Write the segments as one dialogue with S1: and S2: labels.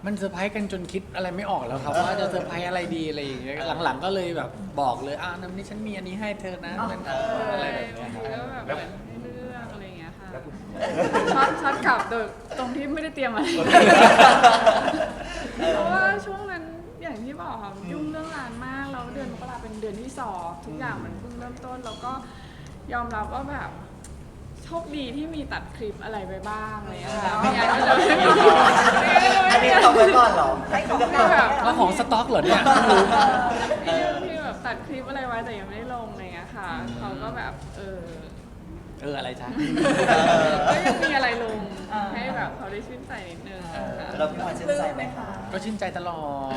S1: มันเซอร์ไพรส์กันจนคิดอะไรไม่ออกแล้วครับว่าจะเซอร์ไพรส์อะไรดีอะไรอย่างเงี้ยหลังๆก็เลยแบบบอกเลยน้ำนี้ฉันมีอันนี้ให้เธอนะมันอะไรแบบเนี้ยครับ
S2: ก็แบบเหมือนให้เลือกอะไรอย่างเงี้ยค่ะช็อตกลับโดยตรงที่ไม่ได้เตรียมอะไรเพราะว่าช่วงนั้นอย่างที่บอกค่ะยุ่งเรื่องงานมากแล้วเดือนมกราเป็นเดือนที่2ทุกอย่างมันเพิ่งเริ่มต้นแล้วก็ยอมรับว่าแบบโชคดีที่มีตัดคลิปอะไรไปบ้างอะไรอย่างเงี้ยค่ะไม่งั้นก็จะไม่มี
S3: อันนี้ต้องไว้ก่อนเหรอให้ของ
S2: แบบ
S1: แล้วของสต็อกเหรอเนี่ยไม่รู้
S2: ที่แบบตัดคลิปอะไรไว้แต่ยังไม่ได้ลงอะไรเงี้ยค่ะเขาก็แบบ
S1: อะไรจ๊ะ
S2: ก็ยังมีอะไรลงให้แบบเขาได้ชื่นใจนิดนึง
S3: เราพี่พลอยชื่นใจไหมคะ
S1: ก็ชื่นใจตลอด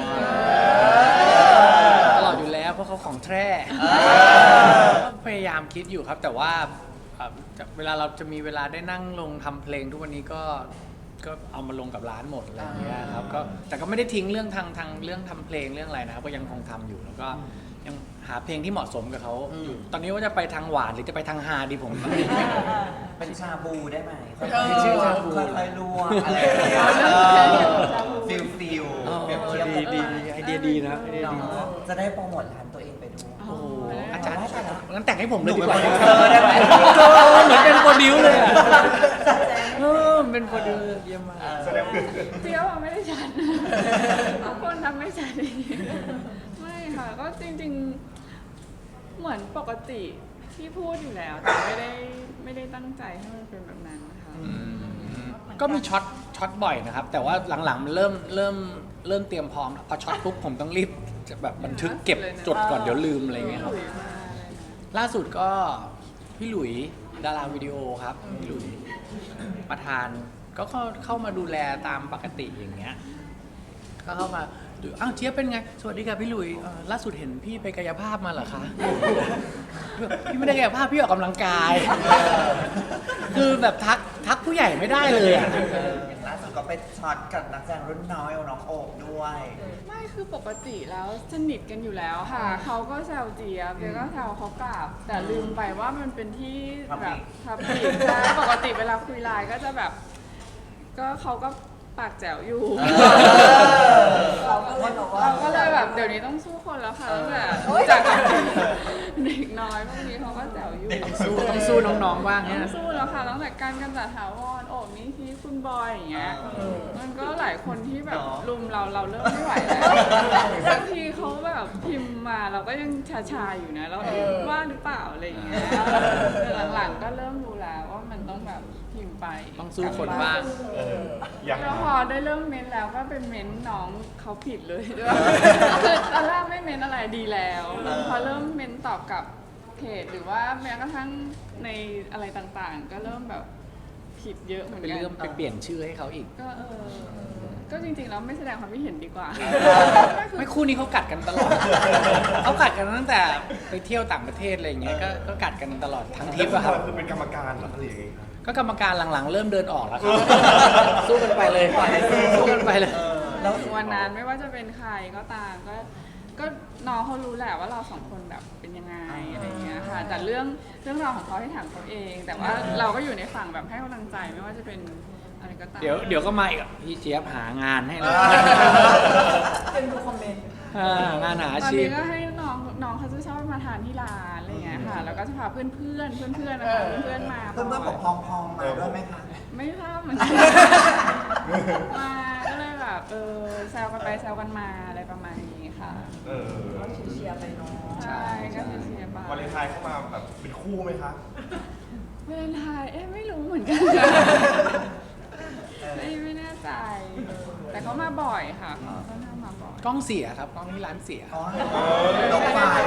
S1: อยู่แล้วเพราะเขาของแท้พยายามคิดอยู่ครับแต่ว่าเวลาเราจะมีเวลาได้นั่งลงทำเพลงทุกวันนี้ก็เอามาลงกับร้านหมดอะไรอย่างเงี้ยครับก็แต่ก็ไม่ได้ทิ้งเรื่องทางเรื่องทำเพลงเรื่องอะไรนะครับก็ยังคงทำอยู่แล้วก็ยังหาเพลงที่เหมาะสมกับเขาอยู่ตอนนี้ว่าจะไปทางหวานหรือจะไปทางฮาดีผม
S3: เป็นชาบูได้ไหม
S1: ชื่อชาบู
S3: ค่อยๆลวกอะไรอย่างเงี้ยฟิล
S1: ดีไอเดียดีนะไอเดียดี
S3: จะได้โปรโมทร้านตัวเองไปด้วย
S1: โอ้โหอาจารย์งั้นแต่งให้ผมเลยดีกว่า
S3: ได้ไหม
S1: เหมือนเป็นโปรดิวเลยอะเป็นโปรดิวเยี่ยมมาก
S2: เตี้ยวไม่ได้ฉันบางคนทำไม่ฉันไม่ค่ะก็จริงๆเหมือนปกติที่พูดอยู่แล้วแต่ไม่ได้ตั้งใจให้มันเป็นแบบนั้นนะคะ
S1: ก็มีช็อตบ่อยนะครับ แต่ว่าหลังๆมันเริ่มเตรียมพร้อมพอช็อตปุ๊บผมต้องรีบจะแบบบันทึกเก็บจดก่อนเดี๋ยวลืมอะไรเงี้ยครับล่าสุดก็พี่หลุยดาราวิดีโอครับพี่หลุยประธานก็เข้ามาดูแลตามปกติอย่างเงี้ยก็เข้ามาดูเจี๊ยบเป็นไงสวัสดีค่ะพี่หลุยล่าสุดเห็นพี่ไปกายภาพมาเหรอคะพี่ไม่ได้กายภาพพี่ออกกำลังกายคือแบบทักผู้ใหญ่ไม่ได้เลยอ่ะ
S3: ล่าสุดก็ไปช็อตกับนักแสดงรุ่นน้อยน้องโอบด้วย
S2: ไม่คือปกติแล้วสนิทกันอยู่แล้วค่ะเขาก็แซวเจี๊ยบเจี๊ยบก็แซวเขากลับแต่ลืมไปว่ามันเป็นที่แบบทับผิดใช่ปกติเวลาคุยไลน์ก็จะแบบก็เขาก็ปากแจ๋วอยู่เราก็เลยแบบเดี๋ยวนี้ต้องสู้คนแล้วค่ะตั้งแต่จากเด็กน้อยพวกนี้เขาก็แจ๋วอยู่
S1: ต้องสู้น้องๆบ้างเนี่ย
S2: ต้องสู้แล้วค่ะตั้งแต่การกำจัดถาวรโอบนี่ที่คุณบอยอย่างเงี้ยมันก็หลายคนที่แบบรุมเราเริ่มไม่ไหวแล้วบางทีเขาแบบพิมพ์มาเราก็ยังชาอยู่นะเราว่าหรือเปล่าอะไรอย่างเงี้ยแต่หลังๆก็เริ่มรู้แล้วว่ามันต้องแบบพิมพ์ไป
S1: ต้องสู้คนบ้าง
S2: แล้วพอได้เริ่มเม้นแล้วก็เป็นเม้นน้องเขาผิดเลยคือตอนแรกไม่เม้นอะไรดีแล้วพอเริ่มเม้นตอบกับเพจหรือว่าแม้กระทั่งในอะไรต่างๆ ก็เริ่มแบบผิดเยอะเหมือน
S1: เป็น
S2: กัน
S1: เรื่องไปเปลี่ยนชื่อให้เขาอีก
S2: ก็จริงๆแล้วไม่แสดงความคิดเห็นดีกว่า
S1: ไม่คู่นี้เขากัดกันตลอด เขากัดกันตั้งแต่ไปเที่ยวต่างประเทศอะไรอย่างเงี้ยก็กัดกันตลอดทั้งทริปอะครับ
S4: คือเป็นกรรมการเหรออะไรอย่างเงี้ยครับ
S1: ก็กรรมการหลังๆ เริ่มเดินออกแล้วครับ สู้กันไปเลยสู้กันไปเลย
S2: แล้ววันนั้นไม่ว่าจะเป็นใครก็ตามก็น้องเขารู้แหละว่าเราสองคนแบบเป็นยังไงอะไรเงี้ยค่ะแต่เรื่องราวของเขาให้ถามเขาเอง แต่ว่าเราก็อยู่ในฝั่งแบบให้กำลังใจไม่ว่าจะเป็นอะไรก็ตาม
S1: เดี๋ยวก็มาอีกพี่เจี๊ยบหางานให้เลย
S5: เป็นดูคอมเมนต์
S1: งานหาอา
S2: ตอน
S1: ชีพ
S2: นี้ก็ให้น้องเขาจะชอบมาทานที่ร้านอะไรเงี้ยค่ะแล้วก็จะพาเพื่อนนะคะเพื่อนมา
S3: เพื่อนๆบอกพองๆมาด้วยไหมคะ
S2: ไม่ทราบเหมือนกันมาก็เลยแบบแซวกันไปแซวกันมาอะไรประมาณนี้ค่ะ
S5: เชียร์ไปเนาะ
S2: ใช่ก็เชียร์ไป
S4: วาเลนไทน์เข้ามาแบบเป็นคู่ไหมคะ
S2: วาเลนไทน์ไม่รู้เหมือนกันไม่แน่ใจ แต่เขามาบ่อยค่ะเขาค่อนข้างมาบ่อย
S1: กล้องเสียครับกล้องที่ร้านเสีย
S3: อ๋อลงไฟ